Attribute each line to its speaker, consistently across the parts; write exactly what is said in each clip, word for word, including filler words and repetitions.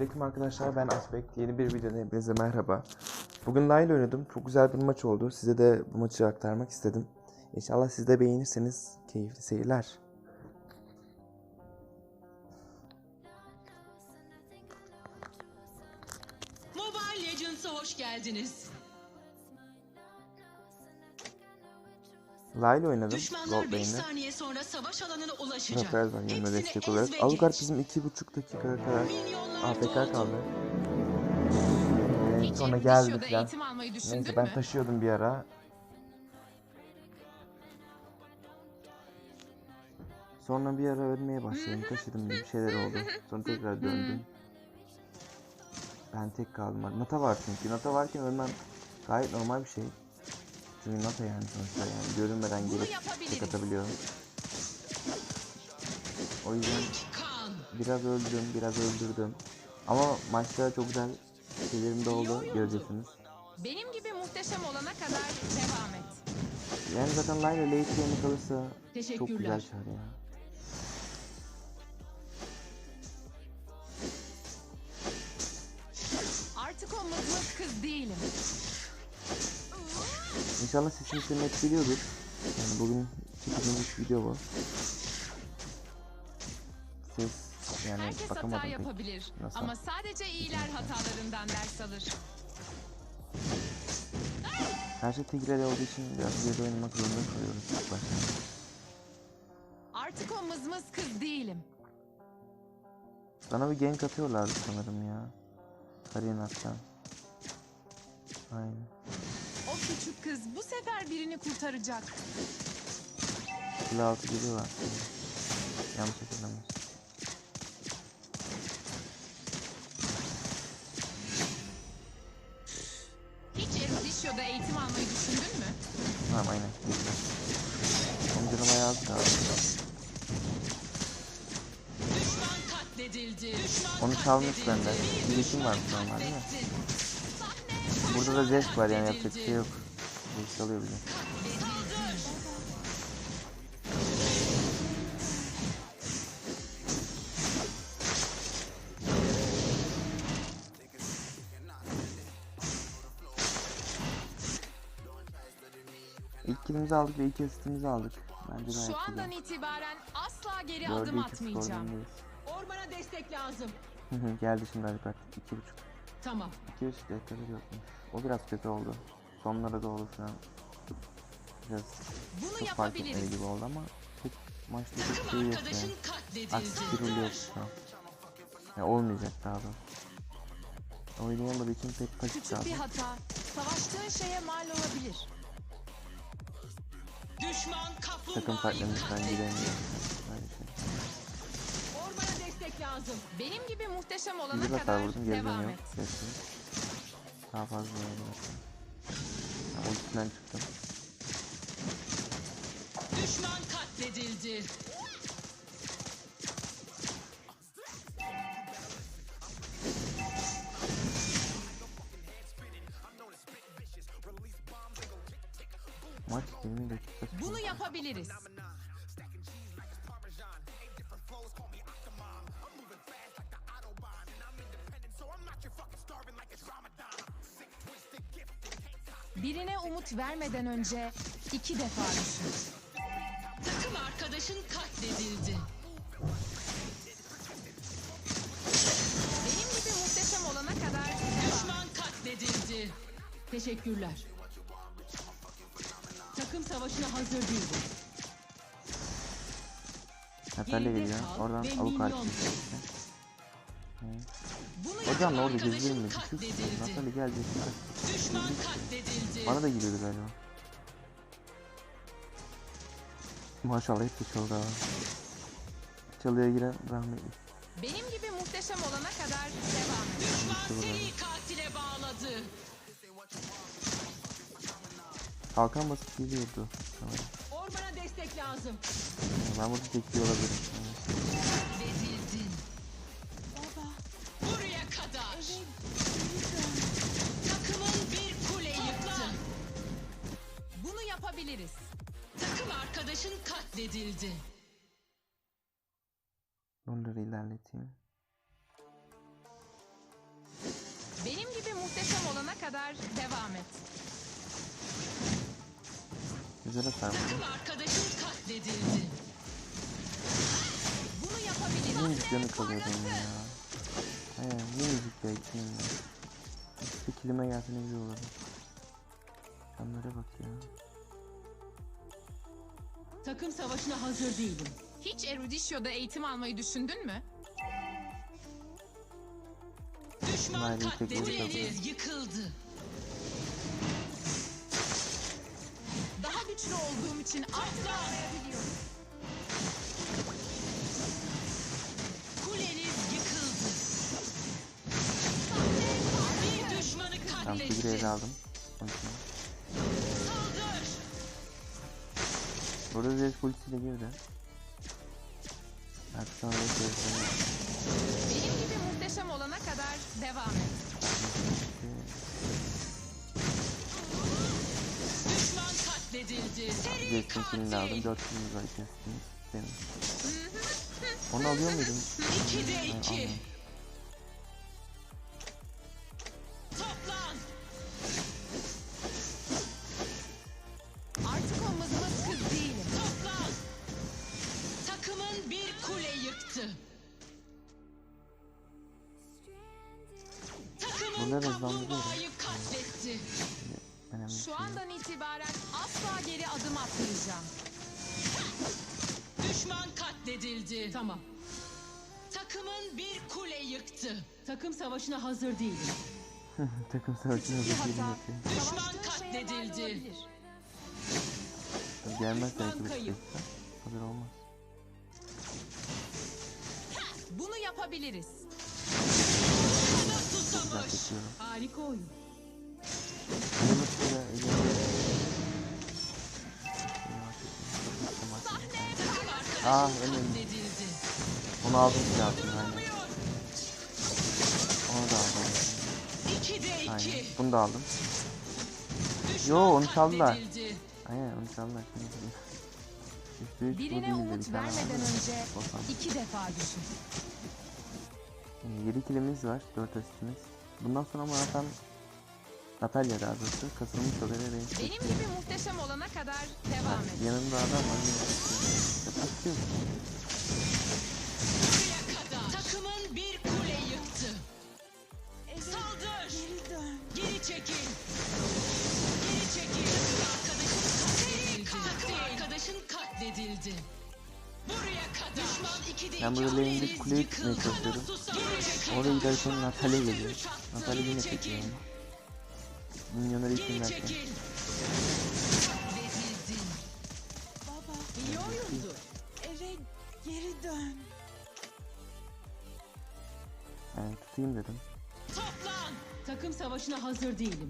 Speaker 1: Selamünaleyküm arkadaşlar, ben Aspect. Yeni bir videoda hepinize merhaba. Bugün Layla oynadım. Çok güzel bir maç oldu. Size de bu maçı aktarmak istedim. İnşallah siz de beğenirseniz keyifli seyirler.
Speaker 2: Mobile Legends'a hoş geldiniz.
Speaker 1: Layla oynadım.
Speaker 2: Düşmanlar beş saniye sonra savaş alanına ulaşacak.
Speaker 1: Rafael var yanına destek olarak. Alucard bizim iki buçuk dakikaya kadar A F K kaldı. Ee, sonra geldi falan. Neyse ben taşıyordum bir ara. Sonra bir ara ölmeye başladım. Taşıdım bir şeyler oldu. Sonra tekrar döndüm. Ben tek kaldım. Nata var çünkü. Nata varken ölmem gayet normal bir şey. Çünkü Nata yani sonuçta yani görünmeden gelip tek atabiliyor. O yüzden biraz öldüm, biraz öldürdüm. Ama maçta çok güzel şeylerim de oldu, göreceksiniz.
Speaker 3: Benim gibi muhteşem olana kadar devam et.
Speaker 1: Yani zaten Layla late game'e kalırsa çok güzel çağır ya.
Speaker 3: Artık o mızmız kız değilim.
Speaker 1: İnşallah sesini net biliyordur. Yani bugün çekeceğimiz video bu. Ses yani
Speaker 3: herkes
Speaker 1: bakamadım
Speaker 3: hata
Speaker 1: pek.
Speaker 3: yapabilir.
Speaker 1: Nasıl?
Speaker 3: Ama sadece iyiler hatalarından ders alır.
Speaker 1: Her şey tigre'de olduğu için biraz geri oynamak zorunda kalıyoruz ilk başta.
Speaker 3: Artık o mızmız kız değilim.
Speaker 1: Bana bir gank atıyorlardı sanırım ya. Karinat'tan. Aynen.
Speaker 3: O küçük kız bu sefer birini kurtaracak.
Speaker 1: Kule altı geliyorlar. Yanlış hatırlamıyorsun.
Speaker 3: Hiç Erudisyo'da eğitim almayı düşündün mü?
Speaker 1: Tamam aynen. Onun canıma yazdı abi.
Speaker 2: Düşman katledildi. Düşman
Speaker 1: Onu çalmış benden. Bir işim var normal değil mi? Burada da Zesk var yani yapacak bir şey yok. Zesk alıyor bizi. İlk killimizi aldık ve ilk asistimizi aldık. Bence gayet
Speaker 3: Şu andan
Speaker 1: güzel.
Speaker 3: itibaren asla geri
Speaker 1: Dördü
Speaker 3: adım
Speaker 1: iki
Speaker 3: atmayacağım.
Speaker 1: skorundayız.
Speaker 2: Ormana destek lazım.
Speaker 1: Geldi şimdi Alper. İki buçuk.
Speaker 2: Tamam.
Speaker 1: İki buçuk dakikada yokmuş. O biraz kötü oldu. Sonlara doğru falan. Biraz
Speaker 3: Bunu
Speaker 1: çok fark etmeli
Speaker 3: yapabiliriz.
Speaker 1: gibi oldu ama tek maçta çok
Speaker 2: Takım
Speaker 1: şey yok
Speaker 2: arkadaşın
Speaker 1: yani.
Speaker 2: katledildi.
Speaker 1: Aksi bir rol yok şu an. Yani olmayacak daha da. Oynayamadığı için pek pasif
Speaker 3: Küçük
Speaker 1: kaldı.
Speaker 3: bir hata savaştığın şeye mal olabilir.
Speaker 2: Düşman
Speaker 1: Takım
Speaker 2: kaplumbağayı
Speaker 1: farklarımızdan
Speaker 2: katletti.
Speaker 1: gidemiyor. Böyle şey.
Speaker 2: Ormana destek lazım.
Speaker 3: Benim gibi muhteşem olana
Speaker 1: Bir
Speaker 3: kadar
Speaker 1: hata vurdum geri
Speaker 3: devam
Speaker 1: dönüyor.
Speaker 3: et.
Speaker 1: Kesin. Daha fazla oynayamazsın. Yani ultisinden çıktım.
Speaker 2: Düşman katledildi.
Speaker 1: Maç yirmi dakika sürdü.
Speaker 3: Bunu yapabiliriz. Birine umut vermeden önce iki defa düşün.
Speaker 2: Takım arkadaşın katledildi.
Speaker 3: Benim gibi muhteşem olana kadar devam.
Speaker 2: Düşman katledildi. Teşekkürler. Takım savaşına hazır değil.
Speaker 1: Natalya
Speaker 2: Geride
Speaker 1: geliyor.
Speaker 2: kal
Speaker 1: Oradan
Speaker 2: ve
Speaker 1: Alucard
Speaker 2: minyon
Speaker 1: çıktı.
Speaker 2: Bunu
Speaker 1: Hocam
Speaker 2: yapan
Speaker 1: ne oldu?
Speaker 2: arkadaşın
Speaker 1: Gezdir mi? Sus.
Speaker 2: katledildi.
Speaker 1: Natalya gelecek.
Speaker 2: Düşman katledildi.
Speaker 1: Bana da giriyordu galiba. Maşallah hep de çaldı ha. Çalıya giren rahmetli.
Speaker 3: Benim gibi muhteşem olana kadar devam et.
Speaker 2: Düşman seri katile bağladı.
Speaker 1: Kalkan basıp geliyordu. Tamam.
Speaker 2: Ormana destek lazım.
Speaker 1: Ben burada bekliyor olabilirim.
Speaker 2: Katledildin. Buraya kadar. Takımın bir kule yıktı.
Speaker 3: Bunu yapabiliriz.
Speaker 2: Takım arkadaşın katledildi.
Speaker 1: Onları ilerleteyim.
Speaker 3: Benim gibi muhteşem olana kadar devam et.
Speaker 1: Güzel hasar
Speaker 2: Takım
Speaker 1: vurdum.
Speaker 2: arkadaşın katledildi.
Speaker 3: Bunu yapabilirim.
Speaker 1: Minicik canı kalıyor benim ya. He minicik ya ikinin de. İşte kilime gelse ne güzel olurdu. Canlara bak ya.
Speaker 2: Takım savaşına hazır değilim.
Speaker 3: Hiç Eruditio'da eğitim almayı düşündün mü?
Speaker 2: Düşman
Speaker 1: Nail'in tekniği
Speaker 2: katledildi. Yıkıldı.
Speaker 3: Daha güçlü olduğum için artık anlayabiliyorum.
Speaker 2: Kuleniz yıkıldı. Bir düşmanı
Speaker 1: Ben figüre
Speaker 2: katletti.
Speaker 1: ele aldım. Onun için.
Speaker 2: Saldır.
Speaker 1: Burada Zed polisiyle girdi. Artık sonra da sevsene.
Speaker 3: Benim gibi muhteşem olana kadar devam et.
Speaker 2: Düşman katledildi. Seri
Speaker 1: Zed'in kilini aldım.
Speaker 2: katil.
Speaker 1: Dört kilimiz var ikisiniz. Benim. Onu alıyor muydum?
Speaker 2: İkide
Speaker 1: Hayır,
Speaker 2: iki.
Speaker 1: almıyorum.
Speaker 2: Toplan.
Speaker 3: Artık o mızmız kız değilim.
Speaker 2: Toplan. Takımın bir kule yıktı. Takımın
Speaker 1: Bunlar hızlandırıyor.
Speaker 2: kaplumbağayı katletti.
Speaker 1: Önemli bir
Speaker 3: Şu
Speaker 1: şey.
Speaker 3: andan itibaren asla geri adım atmayacağım.
Speaker 2: Düşman katledildi. Tamam. Takımın bir kule yıktı. Takım savaşına hazır değilim.
Speaker 1: Takım savaşına
Speaker 3: Bir
Speaker 1: da kilimi
Speaker 3: hata.
Speaker 1: yapıyor.
Speaker 2: Düşman
Speaker 3: Savaştığın şeye mal
Speaker 2: katledildi.
Speaker 3: olabilir.
Speaker 1: Gelmez
Speaker 2: Düşman
Speaker 1: belki bu
Speaker 2: kayıp.
Speaker 1: süreçte. Hazır olmaz.
Speaker 3: Bunu yapabiliriz.
Speaker 2: Kana
Speaker 1: Güzel
Speaker 2: susamış.
Speaker 1: çekiyorum.
Speaker 2: Harika oyun.
Speaker 1: Elimi tutuyla elimi.
Speaker 2: Takım arkadaşın
Speaker 1: Ah, elim.
Speaker 2: katledildi.
Speaker 1: Onu aldım size altına aynen. Onu da aldım.
Speaker 2: İkide
Speaker 1: Aynen.
Speaker 2: iki.
Speaker 1: Bunu da aldım.
Speaker 2: Düşman
Speaker 1: Yo, onu çaldılar.
Speaker 2: katledildi.
Speaker 1: Aynen onu çaldılar. Üstü üç
Speaker 3: Birine
Speaker 1: bu değildi,
Speaker 3: umut
Speaker 1: bir tane
Speaker 3: vermeden
Speaker 1: vardı.
Speaker 3: önce
Speaker 1: Korkmam.
Speaker 3: iki defa düşün.
Speaker 1: Yani yedi kilimiz var. dört asistimiz. Bundan sonra ama zaten Natalya daha doğrusu kasılmış oluyor ve beni
Speaker 3: Benim
Speaker 1: çekiyor.
Speaker 3: gibi muhteşem olana kadar devam et.
Speaker 1: Yanında adam var. Atıyor.
Speaker 2: Buraya kadar. Takımın bir kule yıktı. Saldır. Geri çekil. Geri çekil. Arkadaşın katledildi. Takım arkadaşın katledildi. Buraya kadar. Düşman ikide
Speaker 1: Ben
Speaker 2: iki.
Speaker 1: burada lane'de
Speaker 2: Kuleniz
Speaker 1: kuleye
Speaker 2: yıkıldı.
Speaker 1: gitmeye çalışıyorum.
Speaker 2: Geri çekil.
Speaker 1: Oraya giderken Natalya geliyor.
Speaker 2: Üç attı.
Speaker 1: Natalya
Speaker 2: Geri
Speaker 1: yine
Speaker 2: çekil.
Speaker 1: çekiyor onu. Minyonları için
Speaker 2: Geri
Speaker 1: derken.
Speaker 2: çekil. Katledildin.
Speaker 4: Baba,
Speaker 2: İyi oyundu.
Speaker 4: eve geri dön.
Speaker 1: Yani tutayım dedim.
Speaker 2: Toplan. Takım savaşına hazır değilim.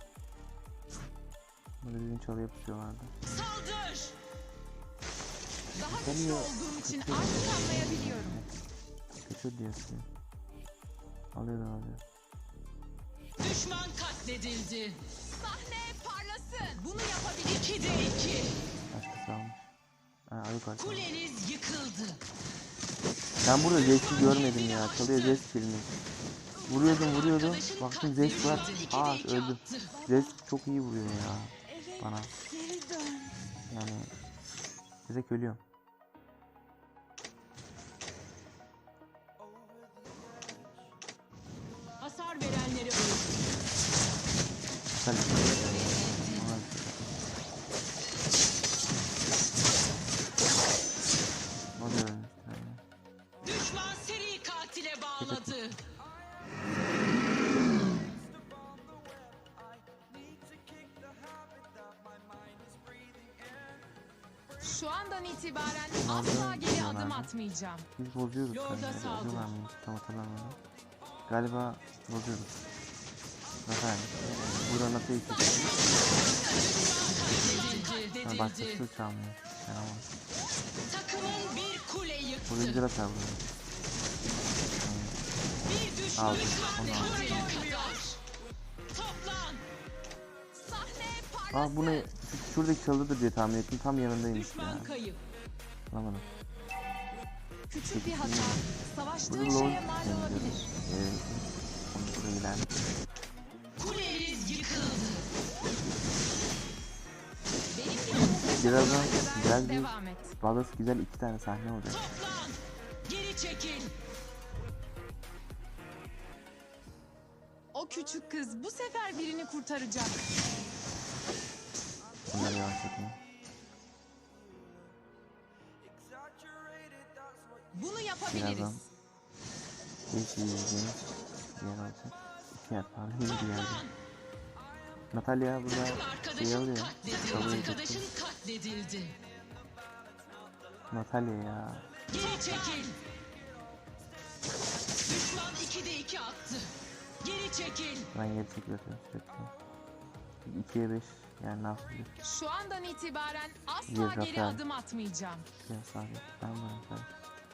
Speaker 1: Burada bizim çalıya pusuyorlardı.
Speaker 2: Saldır.
Speaker 3: Daha güçlü
Speaker 1: Geliyor.
Speaker 3: olduğum için artık anlayabiliyorum.
Speaker 1: Kaçıyor diyorsun. Alıyor da alıyor.
Speaker 2: Düşman katledildi.
Speaker 3: Sahne parlasın. Bunu yapabilir.
Speaker 2: İkide iki.
Speaker 1: Başkası almış. Ha ayık var.
Speaker 2: Kuleniz yıkıldı.
Speaker 1: Ben burada Zest'i görmedim ya. Çalıya Zest filmi. Vuruyordum vuruyordum.
Speaker 2: Arkadaşın
Speaker 1: Baktım Zest var.
Speaker 2: katledildi. İkide
Speaker 1: Aa
Speaker 2: iki
Speaker 1: öldü.
Speaker 2: attı.
Speaker 1: Zest çok iyi vuruyor ya.
Speaker 4: Eve
Speaker 1: Bana.
Speaker 4: geri dön.
Speaker 1: Yani direkt ölüyorum.
Speaker 2: Hasar verenleri öldü.
Speaker 1: Sen o da ölmüş. Yani.
Speaker 2: Düşman seri katile bağladı.
Speaker 3: Şu andan itibaren
Speaker 1: Nereden
Speaker 3: asla geri
Speaker 1: biliyorlar
Speaker 3: adım
Speaker 1: mı?
Speaker 3: atmayacağım.
Speaker 1: Biz bozuyoruz
Speaker 2: Lord'a
Speaker 1: sanki.
Speaker 2: saldır.
Speaker 1: Bozuyorlar mı? Tam hatırlamıyorum. Galiba bozuyoruz. Nasıl yani? Burada nasıl iyi
Speaker 2: Düşman
Speaker 1: Yani
Speaker 2: katledildi.
Speaker 1: başkası çalmıyor. Yani ama.
Speaker 2: Takımın bir kule
Speaker 1: Burada
Speaker 2: yıktı.
Speaker 1: güzel atar burada.
Speaker 2: Bir düşman
Speaker 1: Aldım, onu aldım.
Speaker 2: katledildi. Buraya kadar. Toplan.
Speaker 3: Sahne parlasın.
Speaker 1: Aa bu ne? Şu- Şuradaki çalıdır diye tahmin ettim. Tam yanındaymış
Speaker 2: Düşman
Speaker 1: ya.
Speaker 2: kayıp.
Speaker 1: Anlamadım.
Speaker 3: Küçük bir hata. Savaştığın
Speaker 1: Burada lol
Speaker 3: şeye mal olabilir.
Speaker 1: Ee, Şuraya gidelim.
Speaker 2: Kuleniz yıkıldı.
Speaker 3: Benim gibi muhteşem
Speaker 1: Birazdan
Speaker 3: olana kadar
Speaker 1: güzel bir
Speaker 3: devam et.
Speaker 1: Vallahi güzel iki tane sahne olacak.
Speaker 2: Toplan. Geri çekil.
Speaker 3: O küçük kız bu sefer birini kurtaracak.
Speaker 1: Bunları yavaşlatayım.
Speaker 3: Bunu yapabiliriz.
Speaker 1: Birazdan hiç yiyeceğimiz bir yer olacak. İki yer pardon. Yeni bir yerde.
Speaker 2: Toplan.
Speaker 1: Natalya burada
Speaker 2: Takım
Speaker 1: şey
Speaker 2: arkadaşın
Speaker 1: alıyor.
Speaker 2: katledildi.
Speaker 1: Kabul
Speaker 2: Arkadaşın
Speaker 1: edildi.
Speaker 2: katledildi.
Speaker 1: Natalya ya.
Speaker 2: Geri çekil. Düşman ikide iki attı. Geri çekil.
Speaker 1: Ben geri çekiyorum sürekli. ikiye beş yani ne yapabilir?
Speaker 3: Şu andan itibaren asla
Speaker 1: Bir
Speaker 3: geri
Speaker 1: zafer.
Speaker 3: adım atmayacağım.
Speaker 1: Ya sabit. Ben varım sabit.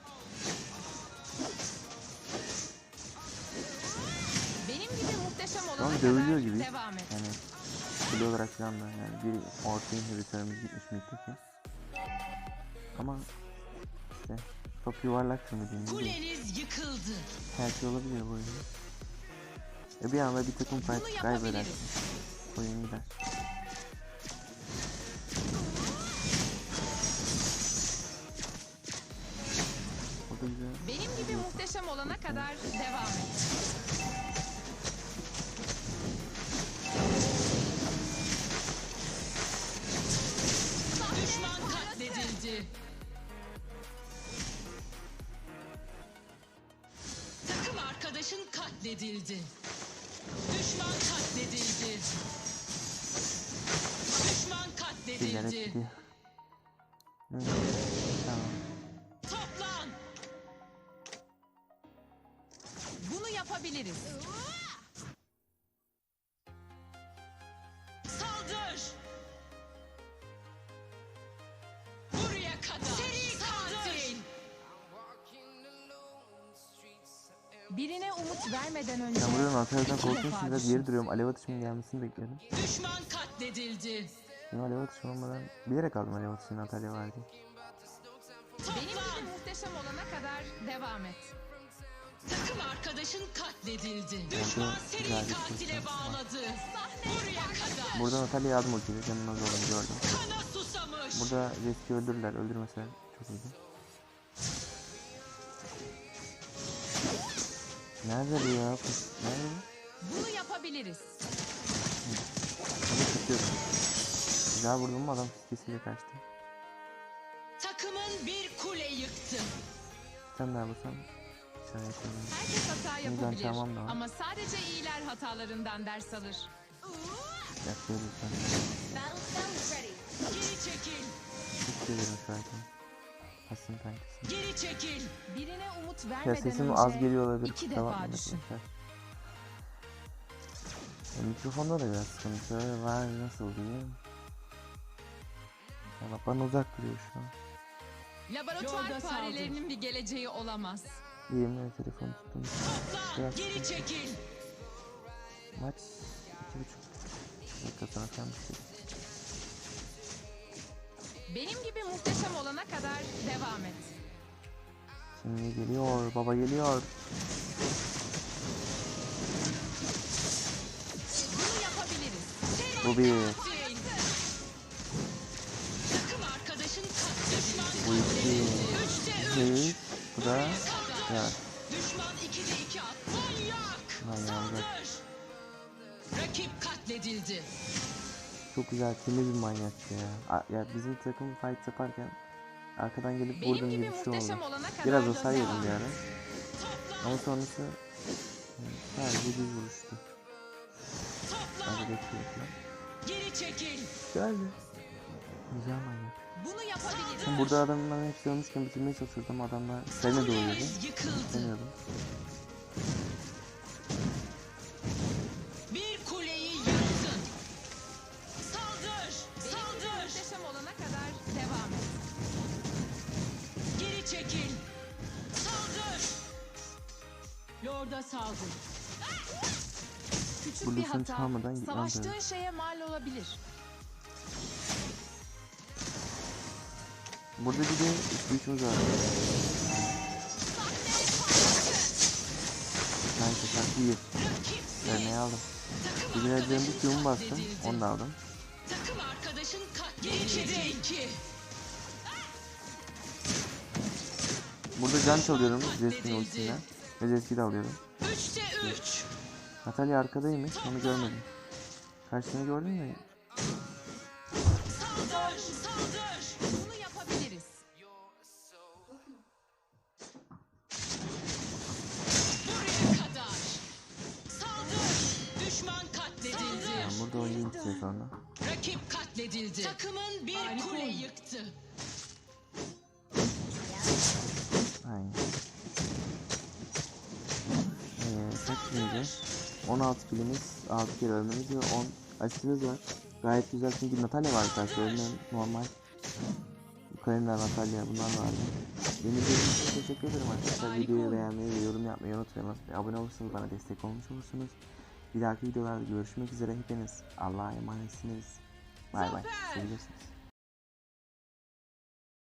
Speaker 3: Benim gibi muhteşem olana
Speaker 1: Ama
Speaker 3: kadar
Speaker 1: dövülüyor gibi.
Speaker 3: devam et.
Speaker 1: Yani kilo olarak falan da yani bir orta inhibitörümüz gitmiş miydi ki? Ama işte top yuvarlak mı diyeyim? Ne diyeyim?
Speaker 2: Kuleniz yıkıldı.
Speaker 1: Her şey olabiliyor bu oyunda. E bir anda bir takım
Speaker 3: Bunu
Speaker 1: fight kaybeder.
Speaker 3: yapabiliriz.
Speaker 1: Oyun gider. O da güzel.
Speaker 3: Benim gibi muhteşem olana kadar devam et.
Speaker 2: Düşman katledildi. Takım arkadaşın katledildi. Düşman katledildi. Düşman
Speaker 1: Birileri
Speaker 2: katledildi.
Speaker 1: gidiyor. Hı, tamam.
Speaker 2: Toplan.
Speaker 3: Bunu yapabiliriz.
Speaker 2: Saldır. Buraya kadar. Seri katil.
Speaker 3: Birine umut vermeden önce
Speaker 1: Ben burada Natalya'dan
Speaker 3: iki
Speaker 1: korktuğum
Speaker 3: defa
Speaker 1: için biraz
Speaker 3: düşün.
Speaker 1: geri duruyorum. Alev atışının gelmesini bekliyorum.
Speaker 2: Düşman katledildi.
Speaker 1: Benim alev atışım olmadan bilerek aldım alev atışını Natalya var diye.
Speaker 3: Benim gibi muhteşem olana kadar devam et.
Speaker 2: Takım arkadaşın katledildi. Düşman seri
Speaker 1: güzel bir
Speaker 2: katile
Speaker 1: pozisyon var.
Speaker 2: bağladı. Buraya kadar.
Speaker 1: Burada Natalya yardım ultiyle canının az olduğunu gördüm.
Speaker 2: Kana susamış.
Speaker 1: Burada riski öldürürler. Öldürmeseler çok iyiydi. Nerede bu ya? Nerede bu?
Speaker 3: Bunu yapabiliriz.
Speaker 1: Onu tutuyorum. Güzel vurdum mu adam fiskesiyle kaçtı.
Speaker 2: Takımın bir kule yıktı.
Speaker 1: Sen daha vursam şöyle yapalım.
Speaker 3: Herkes hata
Speaker 1: Yüzden
Speaker 3: yapabilir.
Speaker 1: tamam da var.
Speaker 3: Ama sadece iyiler hatalarından ders alır.
Speaker 1: Yakıyor lütfen.
Speaker 2: Geri çekil.
Speaker 1: Teşekkür ederim şu an. Hasın kankası.
Speaker 2: Geri çekil.
Speaker 3: Birine umut
Speaker 1: Ya
Speaker 3: vermeden
Speaker 1: sesim
Speaker 3: önce
Speaker 1: az geliyor olabilir.
Speaker 3: iki
Speaker 1: kusura
Speaker 3: defa
Speaker 1: bakmayın
Speaker 3: düşün.
Speaker 1: arkadaşlar. E, mikrofonda da biraz sıkıntı var. Nasıl diyeyim? Ya bak bana uzak duruyor şu an.
Speaker 3: Laboratuvar
Speaker 2: Yolda
Speaker 3: farelerinin bir geleceği olamaz.
Speaker 1: Yemin telefonu tuttum.
Speaker 2: Toplan.
Speaker 1: Biraz
Speaker 2: Geri
Speaker 1: sıkıntı.
Speaker 2: çekil.
Speaker 1: Maç iki buçuk dakika sonra falan bitiyor.
Speaker 3: Benim gibi muhteşem olana kadar devam et.
Speaker 1: Şimdi geliyor. Baba geliyor.
Speaker 3: Bunu yapabiliriz.
Speaker 1: Bu bir.
Speaker 2: Katil. Takım arkadaşın katledildi.
Speaker 1: Bu iki.
Speaker 2: Üçte üç.
Speaker 1: Üç. Bu da. Ya.
Speaker 2: Düşman ikide iki at. Manyak.
Speaker 1: Manyak.
Speaker 2: Saldır. Rakip katledildi.
Speaker 1: Çok güzel. Temiz bir manyaktı ya. A- Ya bizim takım fight yaparken arkadan gelip
Speaker 3: Benim
Speaker 1: vurdum
Speaker 3: gibi
Speaker 1: gibi bir şey
Speaker 3: muhteşem
Speaker 1: oldu.
Speaker 3: olana kadar
Speaker 1: Biraz da
Speaker 3: devam
Speaker 1: sayıyordum bir
Speaker 3: et.
Speaker 1: ara. Ama sonrası yani sadece düz vuruştu.
Speaker 2: Toplan.
Speaker 1: Sadece bekliyor falan.
Speaker 2: Geri çekil.
Speaker 1: Güzeldi. Güzel manyak.
Speaker 3: Bunu yapabiliriz.
Speaker 1: Şimdi burada adamların hepsi ölmüşken bitirmeye çalışıyordum. Adamlar seni doğuyordu.
Speaker 2: Kuleniz yıkıldı.
Speaker 1: İstemiyordum.
Speaker 2: Bir kuleyi yıktın. Saldır.
Speaker 3: Benim gibi
Speaker 2: Saldır.
Speaker 3: muhteşem olana kadar devam et.
Speaker 2: Geri çekil. Saldır. Lord'a saldır.
Speaker 3: Küçük
Speaker 1: Bu
Speaker 3: bir
Speaker 1: lütfen
Speaker 3: hata
Speaker 1: çalmadan gitmem
Speaker 3: savaştığın
Speaker 1: lazım.
Speaker 3: şeye mal olabilir.
Speaker 1: Burada bir de üç güçümüz var. Sanki Şarkı bir. Vermeyi aldım. Bugün eldiven bir Q'mu bastım. Onu da aldım.
Speaker 2: Takım arkadaşın katledildi. iki.
Speaker 1: Burada can çalıyorum Zeskin ultisinden. Ve Zesk'i de alıyorum.
Speaker 2: Üçte üç.
Speaker 1: Natalya arkadaymış. Onu görmedim. Karşısını gördün mü?
Speaker 2: Saldır, saldır.
Speaker 3: Bunu yapabiliriz.
Speaker 2: Buraya kadar. Saldır. Düşman katledildi.
Speaker 1: Ben burada oynayayım bir süre sonra.
Speaker 2: Rakip katledildi. Takımın bir kule yıktı.
Speaker 1: Aynen. Ee, kaç kilimiz? on altı kilimiz, altı kere ölmemiz ve on asistimiz var. Gayet güzel çünkü Natalya var karşı ölmeyen normal. Kalemler Natalya bunlar vardı. Beni izlediğiniz için teşekkür ederim arkadaşlar. Videoyu beğenmeyi ve yorum yapmayı unutmayın. Ve abone olursanız bana destek olmuş olursunuz. Bir dahaki videolarda görüşmek üzere hepiniz. Allah'a emanetsiniz. Bay bay. Sevilirsiniz.